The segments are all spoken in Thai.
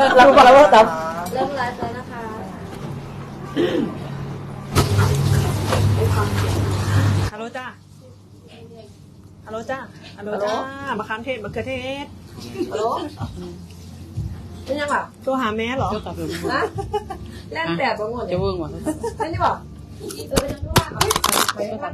เราบอกแล้วว่าตับเริ่มไลฟ์แล้วนะคะฮัลโหลจ้าฮัลโหลจ้าฮัลโหลจ้ามะขามเทศมะเขือเทศฮัลโหลเป็นยังไงตัวหาแม่เหรอนะแล่นแบบบางคนจะเวิ้งวะเป็นยังไงไปยังไง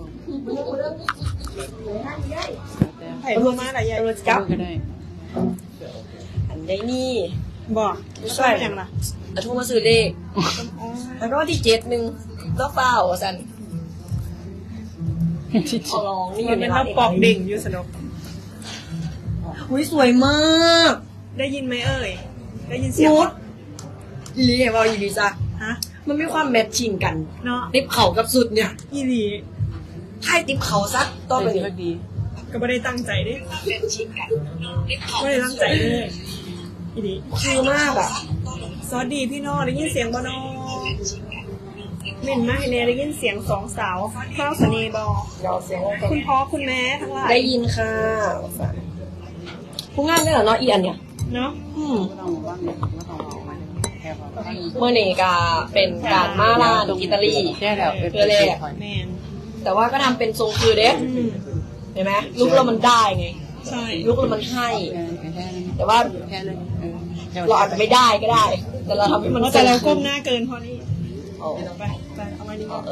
ไผ่ตัวมาอะไรใหญ่เราจะจับก็ได้อันได้นี่บอกใช่ยังล่ะโทรมาซื้อเลขแล้วก็ที่71ก็เฝ้าสันขอร้องนี่อมันยู่ในเป็นร้าเท่าน ปอกดิ่งอยู่สนุกอุ้ยสวยมากได้ยินไหมเอ่ยได้ยินเสียงนุชอีลีเนี่ยว่าอีลีจ้ะฮะมันมีความแมทชิ่งกันเนาะติ๊บเข่ากับสุดเนี่ยอีหลีให้ติ๊บเข่าซักต่อไปเป็นนี้ที่ดีก็ไม่ได้ตั้งใจดิไม่ได้ตั้งใจเลยอีหลีคือมากอ่ะสวัสดีพี่น้องได้ยินเสียงบ่น้องเม่นมาให้แน่ได้ยินเสียงสองสาวข้าวสนีบอเดี๋ยวเสียงคุณพ่อคุณแม่ทั้งหลายได้ยินค่ะผู้งานได้เหรอเนาะอีอันเนี่ยเนาะไม่ต้องว่างเลยไม่ต้องออกมาแค่พอเมื่อนี่ก็เป็นการมาลานอิตาลีแค่แล้วเพื่อแรกแมนแต่ว่าก็ทำเป็นทรงคือเด็กอืมเห็นไหมลุกแล้วมันได้ไงใช่ลุกแล้วมันให้แค่นั้นแต่ว่าแค่เลยเราอาจจะไม่ได้ก็ได้ แต่เราทำให้มันแต่เราก้มหน้าเกินพอนี่โอ้ไปไปเอามาดีกว่า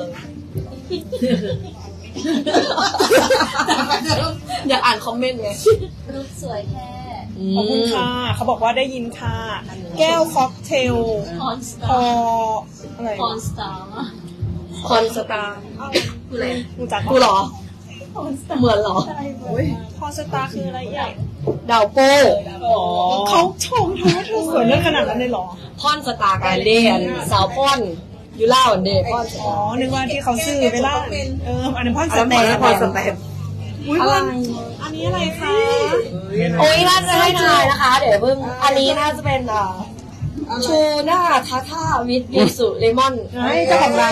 อยากอ่านคอมเมนต์ไงรูปสวยแค่ขอบคุณค่ะเขาบอกว่าได้ยินค่ะ แก้วค็อกเทลคอนสพตาอร์อะไรคอนสตาร์คอนสตาร์คืออะไรรู้จักกูเหรอ เหมือนเหรอพอสตาร์คืออะไรใหญ่ดาวโป้เขาชมเธอว่าเธอสวยเรื่องขนาดนั้นเลยเหรอพอนสตาร์การเรียนสาวพอนยูล่าวันเดย์พอนสอ๋อตาร์นึกว่าที่เขาซื้อไปล่าอันนี้นพ่อสอันแตนั้นพอนสแตมอุ้ยอะไรวันอันนี้อะไรคะโอ้ยน่าจะให้ทายนะคะ เดี๋ยวเพิ่งอันนี้น่าจะเป็นชูน่าทาท่าวิทยูสุเลมอนให้เจ้าของร้าน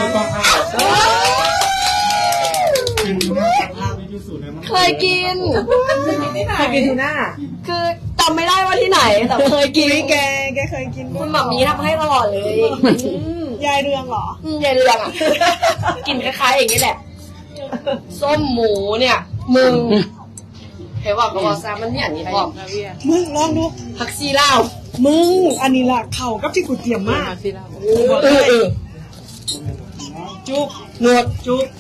เคยกินเคยกินทูน่าคือจำไม่ได้ว่าที่ไหน แต่เคยกินอุ้ยแกเคยกินคุณหม่ำนี้ทำให้ตลอดเลยยายเรืองเหรอยายเรืองอ่ะ กินคล้ายๆอย่างนี้แหละ ส้มหมูเนี่ยมึงเห็นว่าบอกซามันเนี่ยอันนี้บอกมึงลองดูผักซีลาวมึง อันนี้ล่ะเข่ากับที่กูเตรียมมากที่เราจุกหนวดจุก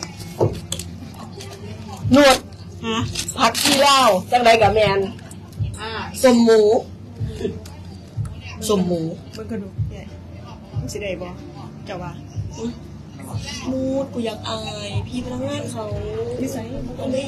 หนวดฮะผักซีลาวจังไรกับแมนส้มหมูส้มหมูมึงก็ดูใหญ่มึงสิได้บ่เจ้าว่ามูดกูอยากอายพี่พนักงานเขานิสัยอะไร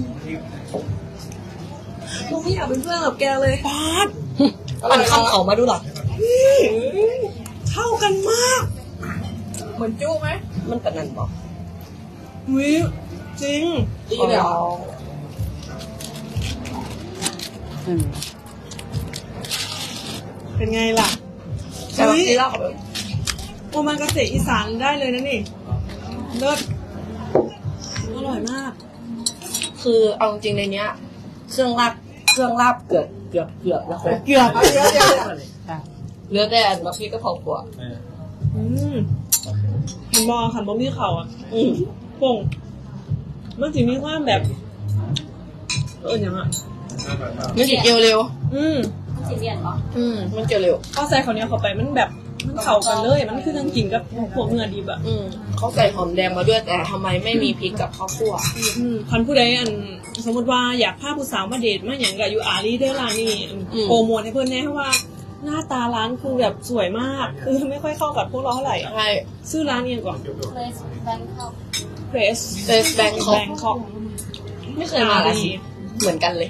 กูไม่อยากเป็นเพื่อนกับแกเลยปาดอันคำเขามาดูหรอเข้ากันมากเหมือนจู้ไหมมันเป็นนั่นบอกวิจริงดีเลยเหรอเป็นไงล่ะใช่ผักซีลาวโอมากาเสะอีสานได้เลยนะนี่เลิศอร่อยมากคือเอาจริงในเนี้ย เครื่องลาบเกือบแล้วค่ะเกือบเหลือแต่อันบักพริกกะเพราขัวขันบอขันบอมีเข่าอ่ะป่งมันจะมีความแบบอย่างอ่ะมันจะเจียวเร็วสีเรียนเหรอมันเจียวเร็วพอใส่ข้าวเหนียวเข้าไปมันแบบมันเข้ากันเลย มันคือทั้งกินกับพวกเนื้อดิบอ่ะเขาใส่หอมแดงมาด้วยแต่ทำไมไม่มีพริกกับข้าวคั่วคันผู้ใดสมมติว่าอยากพาผู้สาวมาเดทมาอย่างกับอยู่อารีเดอร์ร้านนี่โปรโมทให้เพื่อนแน่เพราะว่าหน้าตาร้านคือแบบสวยมาก คือไม่ค่อยเข้ากับพวกเราเท่าไหร่อ่ะใช่ชื่อร้านเองก่อน Place Bangkok Press เตสแบงคอก Bangkok ไม่เคยมาเลยเหมือนกันเลย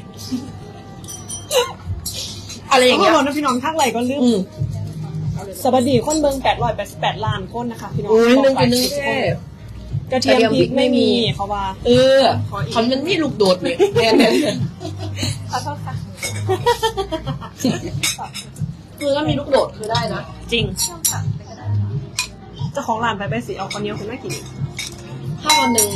อะไรอย่างเงี้เงี้ยยนะพี่น้องทักไหลก็ลืมสวัสดีคนเบิง888 ล้านคนนะคะพี่น้องนึงแค่กระเทียมพริกไม่มีเขาว่าคำนั้นนี่ลูกโดดเลยแน่ขอโทษค่ะคือถ้ามีลูกโดดคือได้นะจริงเจ้าของร้านไปสิเอาคนเดียวคุณแม่กินถ้าวันหนึ่ง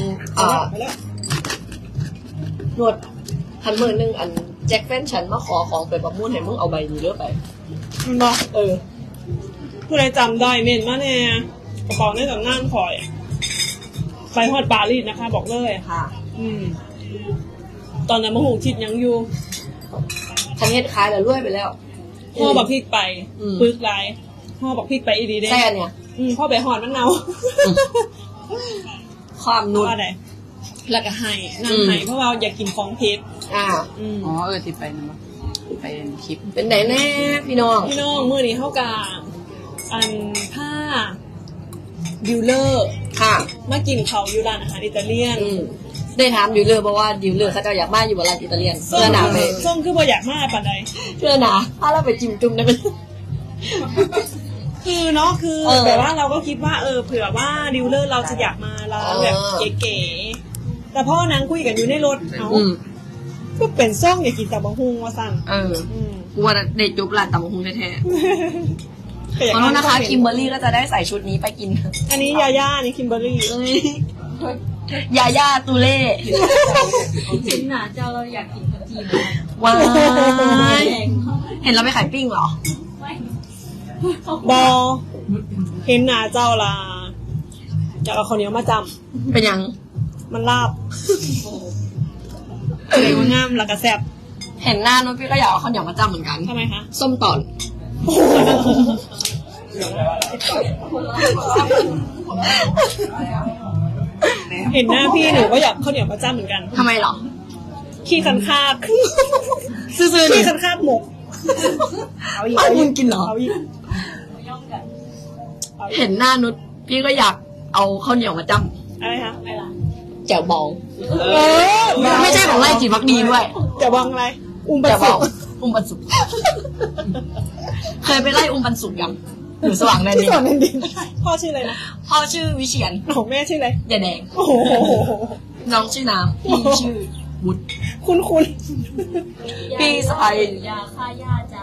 หนวดหันมือหนึ่งอันแจ็คแฟนฉันมาขอของไปประมูลให้มึงเอาใบนี้เลือกไปมันบอกเออผู้ใดจำได้เมนมาแน่กระเป๋าในตำนานคอย ไปฮอดปารีสนะคะ บอกเลยค่ะตอนนั้นมะฮูชิดยังอยู่ฉันเฮ็ดขายแล้วรวยไปแล้วพ่อบักพริกไปอืมปึกไรพ่อบักพริกไปอีดีเด้แซ่เนี่ยพ่อไปหอดมันเนาความนุชว่าไงแล้วก็ให้นั่งให้เพราะว่าอยากกินของเผ็ดอ่าอ๋อที่ไปนะไปคลิปเป็นไหนแน่พี่น้องพี่น้องมื้อนี้เฮากาอันผ้าดิวเลอร์ค่ะมากินเขาวอยู่ร้านอาหารอิตาเลียนได้ถามดิวเลอร์เพราะว่าดิวเลอร์เขาจะอยากมาอยู่บนร้านอิตาเลียนเพื่อหนาไปส้มคือบ่อยากมาปานใดเพื่อหนาถ้าเราไปจิ้มจุ่มได้ไหมคือเนาะคือเออแบบว่าเราก็คิดว่าเผื่อว่าดิวเลอร์เราจะอยากมาร้านแบบเก๋ๆแต่พ่อนางคุยกันอยู่ในรถเอาก็เป็นซ่องอยากกินแต่บะฮุงว่าสั่นกูว่าเด็ดจุบร้านตำบักหุ่งแท้ๆขอโทษนะคะคิมเบอร์รี่ก็จะได้ใส่ชุดนี้ไปกินอันนี้ยาย่าอันนี้คิมเบอร์รี่ยาย่าตูเล่เห็นหนาเจ้าเราอยากกินขนมจีนว้าไหมยเห็นเราไปขายปิ้งเหรอไม่บอเห็นหนาเจ้าละอยากเอาข้าวเหนียวมาจเป็นยังำมันลาบสวยงามแล้วก็แซ่บเห็นหน้าน้องพี่ก็อยากเอาข้าวเหนียวมาจ้ำเหมือนกันทำไมคะส้มตอนเห็นหน้าพี่หนูก็อยากข้าวเหนียวมาจ้ำเหมือนกันทำไมเหรอขี้คันคาบซื่อๆขี้นี่คันคาบหมกเอาอีกอ้าวมึงกินเหรอเอาอีกเห็นหน้านุชพี่ก็อยากเอาข้าวเหนียวมาจ้อะไรคะำแจ่วบองไม่ใช่ของไร่จิตวักดีด้วยจะวางอะไร อุ้มบัแจ่วบสุองอุ้มปันสุก เคยไปไล่อุ้มปันสุกยังอยู่สว่างแดนที่ดินสอนแดนดินพ่อชื่ออะไรนะพ่อชื่อวิเชียนของแม่ชื่ออะไรยาแดงโอ้โหน้องชื่อน้ำพี่ชื่อวุฒิคุณพี่สายยาฆ่าหญ้าจ้า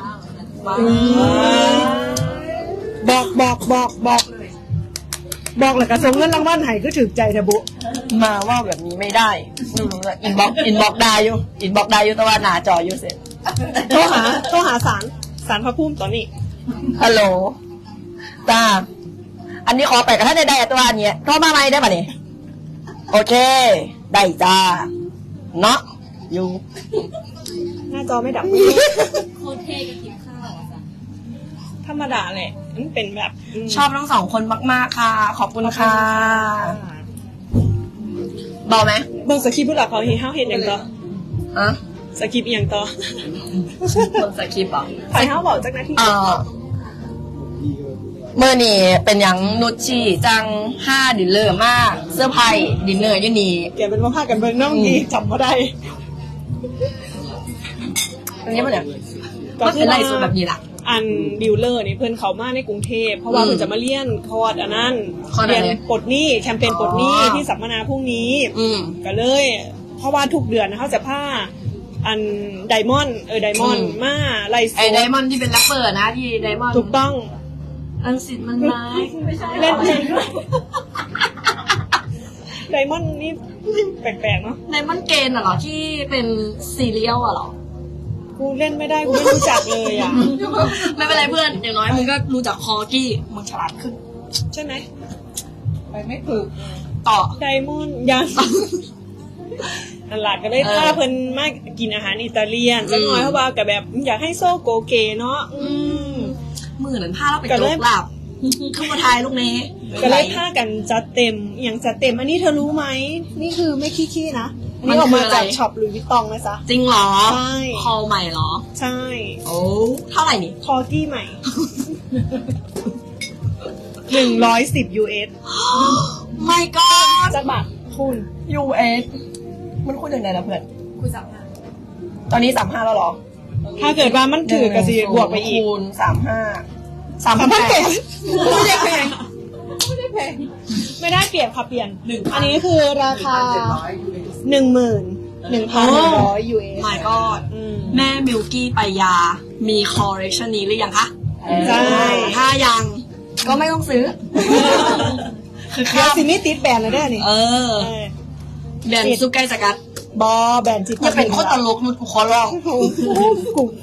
บอกแล้วก็ส่งเงินรางวัลให้ก็ถึกใจเถอะบุมาว่าแบบนี้ไม่ได้หนูอินบ็อกได้อยู่แต่ว่าหนาจออยู่เสร็จโทรหาสารพระภูมิตอนนี้ฮัลโหลจ้าอันนี้ขอไปกับท่านได้ตัวอันเนี้ยโทรมาไหมได้ป่ะเนี่ยโอเค ได้จ้าเนาะอยู่หน้าจอไม่ดับโคตรเท่กับกินข้าวจ้ะธรรมดาแหละมันเป็นแบบชอบทั้งสองคนมากๆค่ะ ขอบคุณค่ะเบาไหมเบิ่งสคริปต์ผู้หลักเขาเห็นอย่างต่อฮะสคริปต์อย่างต่อคนสคริปต์เหรอใครเขาบอกจากหน้าที่เมื่อนี่เป็นอย่างนุชชีจัง5ดินเลอร์มากเสื้อผ้าดินเลอร์อยี่นี่เกี่ยวเป็นว่าพากันเบิ่งน้องดีจำมาได้อันนี้มันเนี่ยก็เป็นไรสุดแบบนี้ล่ะอันดิวเลอร์นี่เพื่อนเขามาในกรุงเทพเพราะว่าเพื่อนจะมาเรียนคอร์สอันนั้นคอร์สอะไรเรียนปลดหนี้แคมเปญปลดหนี้ที่สัมมนาพรุ่งนี้ ก็เลย เพราะว่าทุกเดือนนะเขาจะผ้าอันไดมอนด์ไดมอนด์มาไลฟ์ไอ้ไดมอนด์ที่เป็นแรปเปอร์นะที่ไดมอนด์ถูกต้องอันสิทธิ์มันร้ายเล่นจริงด้วยไดมอนด์นี่แปลกๆเนาะไดมอนด์เกนเหรอที่เป็นซีเรียลเหรอกูเล่นไม่ได้กูไม่รู้จักเลยอ่ะไม่เป็นไรเพื่อนอย่างน้อยมึงก็รู้จักคอกี้มึงฉลาดขึ้นใช่ไหมไปไม่ฝึกต่อไดมอนด์ยังนั่นแหละก็เลยพาเพิ่นมากินอาหารอิตาเลียนสักหน่อยเพราะว่ากับแบบอยากให้โซโกเกเนาะมือนั้นผ้าเราไปโจกหลับขึ้นมาทายลูกเนี้ก็เลยพากันจัดเต็มอย่างจัดเต็ม อันนี้เธอรู้ไหมนี่คือไม่ขี้ๆนะอันนี้ออกมาจากช็อปหลุยส์วิตตองนะจ๊ะจริงเหรอใช่คอใหม่เหรอใช่โอ้เท่าไหร่นี่คอกี้ใหม่ 110 US ไม่ก็จักบาทคุณ US มันคูณยังไงนะเพื่อนคุยสัมภาษณ์ตอนนี้35แล้วเหรอถ้าเกิดว่ามันถือกระสีบวกไปอีกคูณ35 ไม่ได้แพง 38 ไม่ได้แพงไม่ได้เปลี่ยนค่ะเปลี่ยน อันนี้คือราคา 11,100 US ไม่ก็แม่มิลกี้ไปยา มีคอลเลคชันนี้หรือยังคะใช่ถ้ายังก็ไม่ต้องซื้อ คือเดี๋ยวสินี่ติดแบรนด์เลยได้อนี่เออแบรนด์ซุปไก่สกัดบอแบรนด์จิตอย่าเป็นโคตรตลกนุชกูขอร้องกู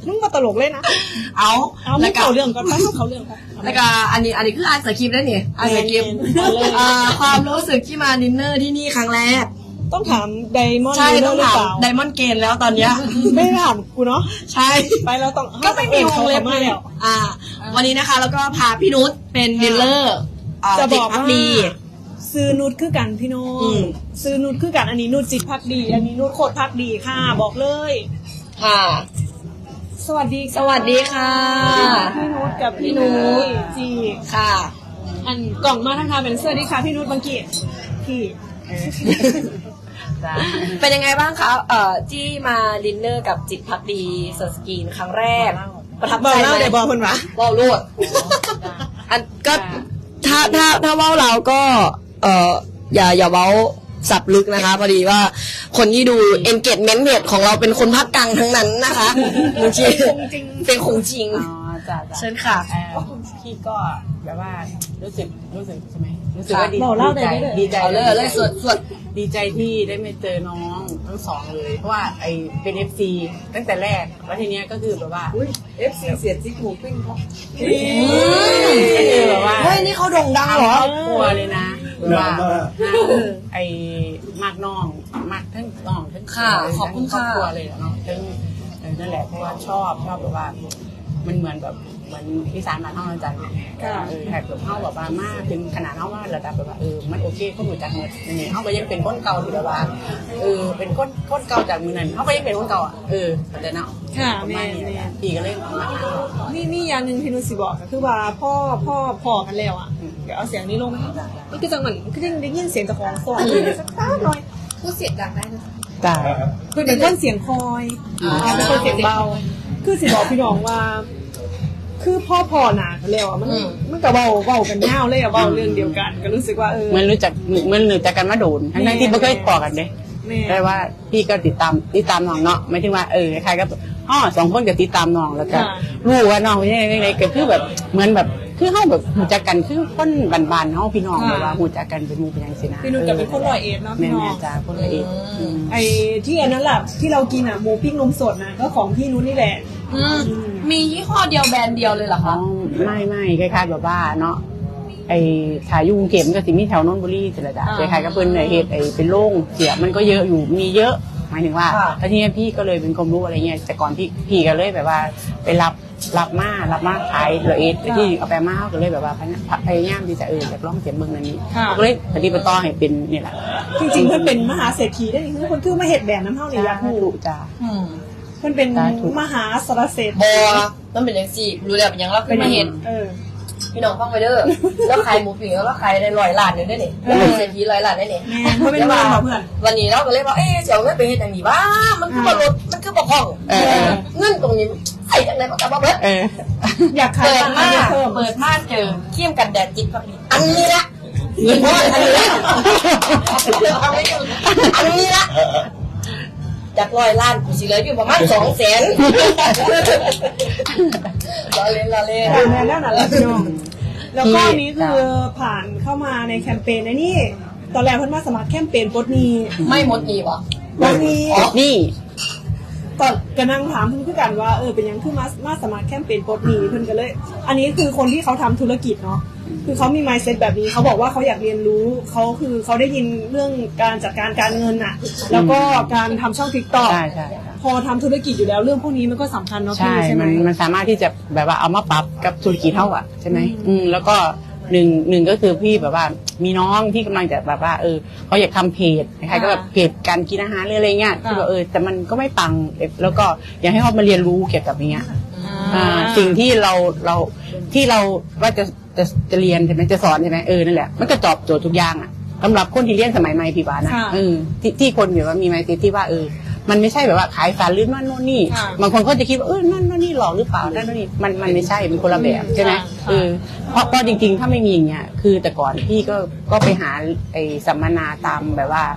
มึงมาตลกเลยนะเอาเอาไม่เข้าเรื่องก่อนไปเข้าเรื่องไปแล้วก็อันนี้คืออ่านสคริปต์ได้นี่อ่านสคริปต์ความรู้สึกที่มาดินเนอร์ที่นี่ครั้งแรกต้องถามไดมอนด์ใช่หต้องรือถามเปล่าไดมอนด์เกนแล้วตอนเนี้ยไม่ถามกูเนาะใช่ไปแล้วต้องก็ไม่มีวงเล็บเลยแล้ววันนี้นะคะแล้วก็พาพี่นุชเป็นดิลเลอร์จะบอกว่าดีซื้อนุชคือกันพี่น้องซื้อนุชคือกันอันนี้นุชจิตพักดี อันนี้นุชโคตรพักดีค่ะ บอกเลยค่ะสวัสดีสวัสดีค่ะพี่นุชกับพี่นุชจีค่ะอันกล่องมาทางทางเป็นสวัสดีค่ะพี่นุชบางกีพี่จ้าเป็นยังไงบ้างคะที่มาดินเนอร์กับจิตพักดีเซอร์สกรีนครั้งแรก ประทับบอกใจเล่าไหมเดี๋ยวบอกคนวะเว้าโลดอันก็ถ้าเว้าเราก็อย่าเว้าสับลึกนะคะพอดีว่าคนที่ดู engagement rate ของเราเป็นคนภาคกลางทั้งนั้นนะคะบางทีเป็นคงจริงอ๋อจ้าเชิญค่ะพี่ก็แบบว่ารู้สึกใช่ไหมรู้สึกว่าดีบอกเล่าได้เลยดีใจเอาเลยส่วนดีใจที่ได้มาเจอน้องทั้งสองเลย เพราะว่าไอเป็น FC ตั้งแต่แรกแล้วทีเนี้ยก็คือแบบว่า FC เสียจิ๊กหมูปิ้งเขาก็คือแบบว่าเฮ้ยนี่เขาโด่งดังเหรอครอบครัวเลยนะแบบว่าไอมากน้องมากทั้งน้องทั้งค่ะขอบคุณครอบค่ะครัวเลยเนาะทั้งนั่นแหละเพราะว่าชอบแบบว่ามันเหมือนแบบเหมือนที่สารบ้านเฮาอาจารย์แขกแบบเฮาแบบว่ามากเป็นขนาดเฮาว่าระดับแบบว่ามันโอเคเขาหนูจักหมดอย่างนี้เฮาก็ยังเป็นคนเก่าที่แบบว่าเป็นคนเก่าจากมือนั้นเฮาก็ยังเป็นคนเก่าอ่ะเข้าใจเนาะค่ะประแม่มาณนี้แม่พี่ก็เลยมานี่อย่างหนึ่งที่นุชสิบอกก็คือว่าพ่อพอกันแล้วอ่ะเดี๋ยวเอาเสียงนี้ลงมาให้นี่คือจังหวะคือได้ยินเสียงจากของสอนสักหน่อยพูดเสียงดังได้นะคะจ้าคือเป็นคนเสียงคอยเป็นคนเสียงเบา คือสิบอกพี่น้องว่า คือพ่อหนากันแล้วอ่ะมันก็เบากันยาวเลยอ่ะเบาเรื่องเดียวกัน ก็รู้สึกว่าเหมือนรู้จักกันมาโดนทั้งที่ไม่เคยต่อกันเลยแม่ได้ว่าพี่ก็ติดตามน้องเนาะไม่ถึงว่าใครก็สองคนก็ติดตามน้องแล้วก็รู้ว่าน้องเป็นยังไงก็คือแบบเหมือนแบบคือเฮาแบบหูจักกันคือคนบ้านๆเฮาพี่น้องแบบว่าหูจักกันเป็นหมู่เป็นยังซี่นะพี่นุชกับเป็นคนร้อยเอ็ดเนาะพี่น้องแม่จ้าคนละเอ็ดไอ้ที่อันนั้นแหละที่เรากินอ่ะหมูปิ้งนมสดนะก็ของพี่นุชนี่แหละมียี่ห้อเดียวแบรนด์เดียวเลยเหรออ๋อคะไม่คล้ายๆแบบว่าเนาะถ่ายยุงเข็มก็สิมีแถวนนทบุรีสิละจ้ะคล้ายๆกับเพิ่นเฮ็ดเป็นโล่งเสียมันก็เยอะอยู่มีเยอะหมายถึงว่าแล้วทีนี้พี่ก็เลยเป็นความรู้อะไรเงี้ยแต่ก่อนพี่ก็เลยแบบว่าไปรับมาขายละเอียดที่เอาไปมาก็เลยแบบว่าพยายามที่จะอยากลองเสียงเมืองนั้นนี้ก็เลยปฏิบัติต่อให้เป็นนี่แหละจริงๆเพื่อนเป็นมหาเศรษฐีได้นี่คือคนคือมาเห็ดแบบน้ำเท่าในยาคูถูกจ้าเพื่อนเป็นมหาสารเศรษฐีบอมันเป็นอย่างสี่รู้แล้วเป็นยังเราขึ้นมาเห็นพี่น้องฟังไปเด้อแล้วขายหมูปิ้งแล้วขายได้100 ล้านเลยได้เนี่ยเศรษฐี100 ล้านได้เนี่ยแม่เขาเป็นเพื่อนเพื่อนวันนี้เราก็เลยว่าเสียวเงินไปเฮ็ดอย่างนี้บ้ามันคือบ่ลดมันคือบ่คล่องเงินตรงนี้ใส่จากไหนมันก็บ่เบิดอยากขายเปิดมาเพิ่มเปิดมาเจอเขี้ยมกันแดดจิตพักดีอันนี้ละเงินพ่ออันนี้ละอันนี้ละจาก100 ล้านกูสิเหลืออยู่ประมาณ200,000รอเล่นแม่แล้วนั่นแหละพี่น้องแล้วก็นี้คือผ่านเข้ามาในแคมเปญนี่ตอนแรกเพื่อนมาสมัครแคมเปญปลดหนี้ไม่หมดหนี้บ่ปลดหนี้นี่ตอนก็นั่งถามเพื่อนคือกันว่าเป็นยังคือมาสมัครแคมเปญปลดหนี้เพื่อนก็เลย อันนี้คือคนที่เขาทำธุรกิจเนาะคือเขามี mindset แบบนี้เขาบอกว่าเขาอยากเรียนรู้เขาได้ยินเรื่องการจัดการการเงินน่ะแล้วก็การทำช่อง TikTok ใช่พอทำธุรกิจอยู่แล้วเรื่องพวกนี้มันก็สำคัญเนาะพี่ใช่ใช่ไหมมันสามารถที่จะแบบว่าเอามาปรับกับธุรกิจเท่าอ่ะใช่ไหมแล้วก็หนึ่งก็คือพี่แบบว่ามีน้องที่กำลังจะแบบว่าเขาอยากทำเพจใครก็แบบเพจการกินอาหารหรืออะไรเงี้ยที่แบบแต่มันก็ไม่ปังแล้วก็อยากให้เขามาเรียนรู้เกี่ยวกับอย่างเงี้ยสิ่งที่เราว่าจะเรียนใช่ไหมจะสอนใช่ไหมนั่นแหละมันก็ตอบโจทย์ทุกอย่างอ่ะสำหรับคนที่เรียนสมัยใหม่พี่บานะที่คนแบบว่ามีไมซ์เซ็ตที่ว่ามันไม่ใช่แบบว่าขายสารลื่นนั่นโน่นนี่บางคนเขาจะคิดว่านั่นนี่หลอกหรือเปล่านั่นนี่มันไม่ใช่เป็นคนละแบบใช่ไหมเพราะจริงๆถ้าไม่มีอย่างเงี้ยคือแต่ก่อนพี่ก็ไปหาสัมมนาตามแบบว่า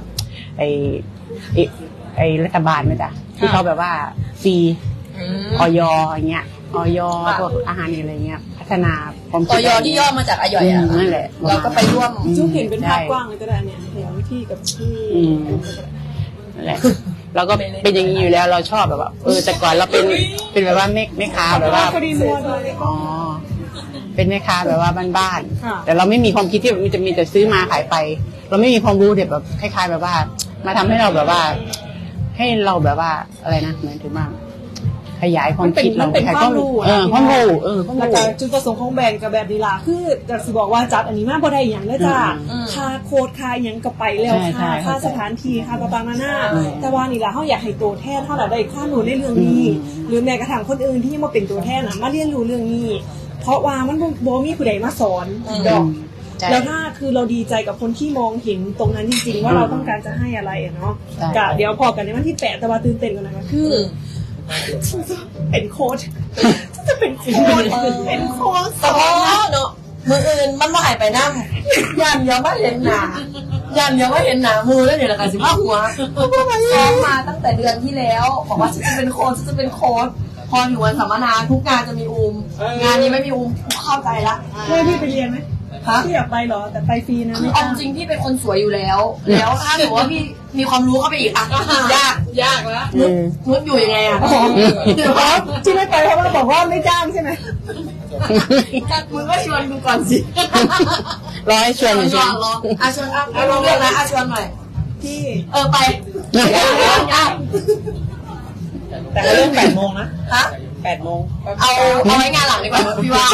รัฐบาลไหมจ๊ะที่เขาแบบว่าฟรีอยอย่างเงี้ยอยพวกอาหารอะไรเงี้ยพัฒนาความคิดอยที่ย่อมาจากอยอ่ะนั่นแหละเราก็ไปร่วมจุ๊กเห็นเป็นภาพกว้างเลยก็ได้เนี่ยเห็นพี่กับพี่นั่นแหละเราก็เป็นอย่างนี้อยู่แล้วเราชอบแบบว่าแต่ก่อนเราเป็นแบบว่าแม่ค้าแบบว่าพอดีมัวด้วยอ๋อเป็นแม่ค้าแบบว่าบ้านค่ะๆแต่เราไม่มีความคิดที่มันจะมีแต่ซื้อมาขายไป เราไม่มีความรู้แบบคล้ายๆแบบว่า มาทำให้เราแบบว่า ให้เราแบบว่าอะไรนะหมายถึงว่าขยายความคิดเรามันเป็นความรู้ความรู้ความแล้วรู้ก็จุดประสงค์ของแบรนด์กับแบบนี้ล่ะคือจะสิบอกว่าจัดอันนี้มาบ่ได้อย่างเด้อจ้าค่าโค้ดค่าหยังก็ไปแล้วค่าสถานที่ค่าต่างๆนานาแต่ว่านี่ล่ะเฮาอยากให้ตัวแทนเฮาล่ะได้ความรู้ในเรื่องนี้ หรือแม้กระทั่งคนอื่นที่ยังมาเป็นตัวแทนน่ะมาเรียนรู้เรื่องนี้ เพราะว่ามันบ่มีผู้ใดมาสอนดอกแล้วถ้าคือเราดีใจกับคนที่มองเห็นตรงนั้นจริงๆว่าเราต้องการจะให้อะไรอะเนาะกะเดี๋ยวพอกันในวันที่8แต่ว่าตื่นเต้นกันนะคะคือเป็นโค้ชจะเป็นโค้ชเป็นโค้ชแต่พอเนาะมืออื่นมันมาหายไปนั่งยันเดียวมาเห็นหนายันเดียวมาเห็นหนามือแล้วเดี๋ยวละกันสิว่าหัวซ้อมมาตั้งแต่เดือนที่แล้วบอกว่าฉันจะเป็นโค้ชฉันจะเป็นโค้ชพอถึงวันสัมมนาทุกงานจะมีอูมงานนี้ไม่มีอูมเข้าใจละให้พี่ไปเรียนไหมฮะพี่อยากไปเหรอแต่ไปฟรีนะคือเอาจริงพี่เป็นคนสวยอยู่แล้ว แล้วถ้าหนูว่าพี่มีความรู้เข้าไปอีกอ่ะยากแล้วนุชอยู่ยังไงอ่ะเดี๋ยวที่ไม่ไปเพราะว่าบอกว่าไม่จ้างใช่ไหมมึงก็ชวนดูก่อนสิรอให้ชวนอยู่ชใช่วนไหมรอชวนเราเรื่องนะชวนหน่อยพี่ไปยากแต่ก็เริ่ม8 โมงนะฮะ 8 โมงเอาไว้งานหลังดีกว่าพี่ว่า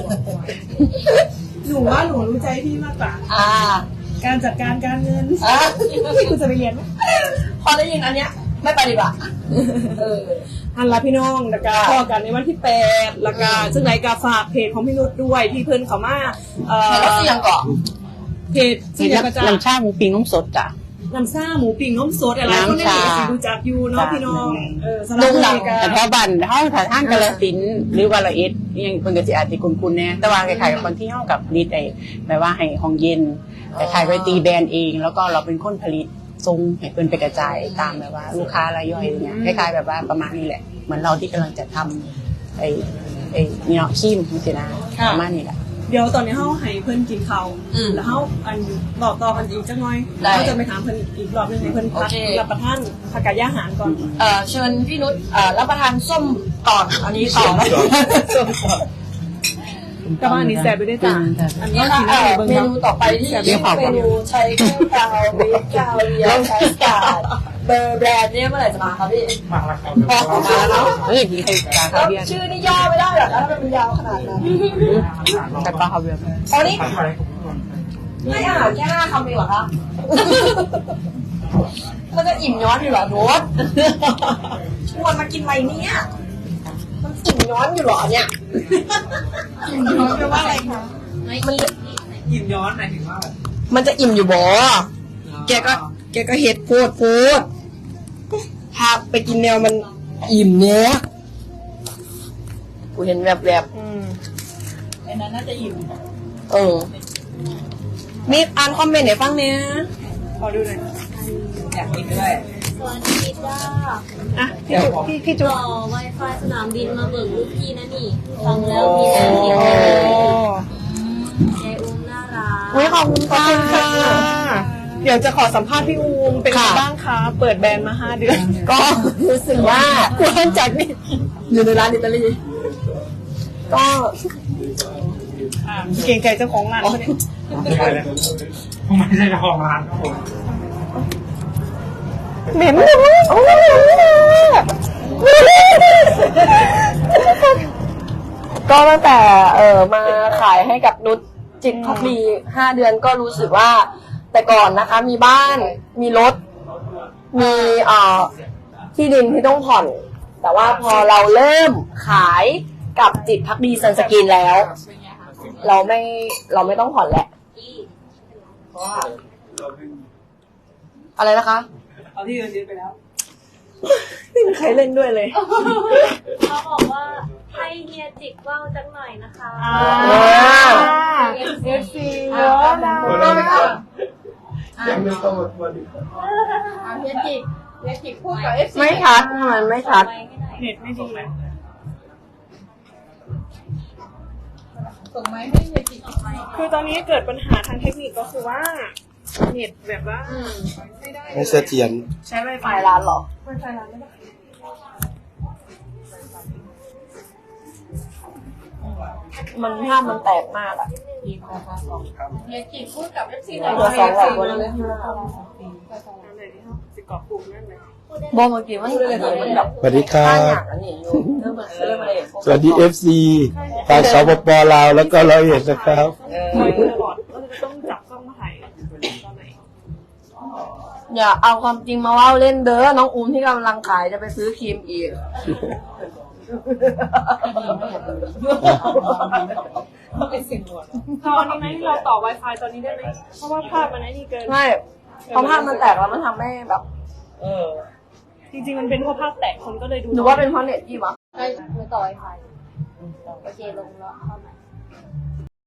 หนูว่าหนูรู้ใจพี่มากกว่า การจัดการการเงินพี่คุณจะไปเรียนไหมพอได้ยินอันเนี้ยไม่ไปดีกว่าอันละพี่น้องแล้วก็พอกันในวันที่8แล้วก็ซึ่งไหนก็ฝากเพจของพี่นุชด้วยที่เพิ่นเขามาแล้วเสียงก่อนเพจที่อยากจะน้ำชาหมูปิ้งน้ำสดจ้ะน้ำซ่าหมูปิ้งน้ำสดอะไรก็ได้สิดูจากยูเนาะพี่น้องสำหรับโด่งดัราง ยการแต่แถวบ้านห้องถ่ายท่านกาฬสินธุ์หรือว่าละเอ็ดยังคนก็จะอาจจะคุ้นๆแน่แต่ว่าคล้ายๆกับคนที่ห้องกับดีใจแบบว่าให้ห้องเย็นแต่ขายไปตีแบรนด์เอง แล้วก็เราเป็นคนผลิตทรงให้เพิ่นไปกระจายตามแบบว่าลูกค้ารายย่อยอะไรเงี้ยคล้ายๆแบบว่าประมาณนี้แหละเหมือนเราที่กำลังจะทำไอ้เนาะขี้มสินะประมาณนี้แหละเดี๋ยวตอนนี้เฮาให้เพิ่นกินข้าวแล้วเฮาอันบอกต่อกันอีกจังหน่อยเราจะไปถามเพิ่นอีกรอบนึงให้เพิ่นพักรับประทานผักกาดย่าหารก่อนเชิญพี่นุชรับประทานส้มก่อนอันนี้ต่อแล้วส้มก่อนกับอันนี้แซ่บไปด้วยจ้ะอันนี้นี่ค่ะกินได้เบิ่งเมเนาะนูต่อไปที่เมนูชัยแก้วกาวเบคกาวเรียใช้สาดเบอร์แบรนด์เนี่ยเมื่อไหร่จะมาครับพี่มาแล้วเนาะกินไข่ปลาคาเวียร์ชื่อนี่ย่อไม่ได้หรอกถ้ามันยาวขนาดนั้นไข่ปลาคาเวียร์อ๋อนี่ให้อาหารแค่5 คำเองเหรอคะมันจะอิ่มย้อนอยู่เหรอโน้ตชวนมากินอะไรเนี่ยมันอิ่มย้อนอยู่เหรอเนี่ยอิ่มย้อนแปลว่าอะไรคะมันอิ่มย้อนหมายถึงว่ามันจะอิ่มอยู่บ่แกก็เฮ็ดพูดพาไปกินแนวมันอิ่มเนี้ยกูเห็นแบบอันนั้นน่าจะอิ่มมีอ่านคอมเมนต์ให้ฟังเนี่ยขอดูหน่อยอยากกินด้วยสวัสดีจ้าอ่ะพี่จุ๊ต่อ Wi-Fi สนามบินมาเบิกลูกพี่นะนี่ ฟังแล้วมีแต่เสียงยายอุ้มน่ารักขอบคุณค่ะ เดี๋ยวจะขอสัมภาษณ์พี่อูมเป็นไงบ้างคะเปิดแบรนด์มา5 เดือนก็รู้สึกว่าควรจัดนี่อยู่ในร้านอิตาลีก็เก่งใจเจ้าของร้านคนนี้ไม่ใช่เจ้าของร้านครับผมเหม็นเลยโอ้ก็ตั้งแต่มาขายให้กับนุชจิตพักดี5 เดือนก็รู้สึกว่าแต่ก่อนนะคะมีบ้านมีรถมีที่ดินที่ต้องผ่อนแต่ว่าพอเราเริ่มขายกับจิตพักดีซันสกินแล้วเราไม่ต้องผ่อนแหละอะไรนะคะเอาที่เงินเดือนไปแล้วไม่มีใครเล่นด้วยเลยเขาบอกว่าให้เฮียจิกว่าวจังหน่อยนะคะ FC เยอะนะเฮียจิกพูดกับ FC ไม่ชัดทำไมไม่ชัดเน็ตไม่ดีเลยส่งไม้ให้เฮียจิกออกไปคือตอนนี้เกิดปัญหาทางเทคนิคก็คือว่าเน็ตแบบว่าไม่ได้ไม่เสถียรใช้ Wi-Fi ร้านเหรอ Wi-Fi ร้านไม่ได้มันภาพมันแตกมากอะเฮียจีพูดกับ FC หตัวสองหลักวันนี้สิกรอบปรุงนั่นเลยบอกเมื่อกี้มันมันแบบสวัสดีครัข้างบอย่างอันนี้อยู่เรื่องมันเรื่องอะไรสวัสดี FC ทางสปปลาวแล้วก็101นะครับถ่ายตลอดก็จะต้องจับกล้องมาถ่ายตอนไหนอย่าเอาความจริงมาเล่าเล่นเด้อน้องอุ้มที่กำลังขายจะไปซื้อครีมอีกเอาอันนี้ไหมเราต่อ Wi-Fi ตอนนี้ได้ไหมเพราะว่าภาพมันไอ้นี่เกินไม่พอภาพมันแตกแล้วมันทำให้แบบจริงๆมันเป็นเพราะภาพแตกคนก็เลยดูหรือว่าเป็นเพราะเน็ตพี่วะไม่ต่อไวไฟโอเคลงแล้วเข้ามา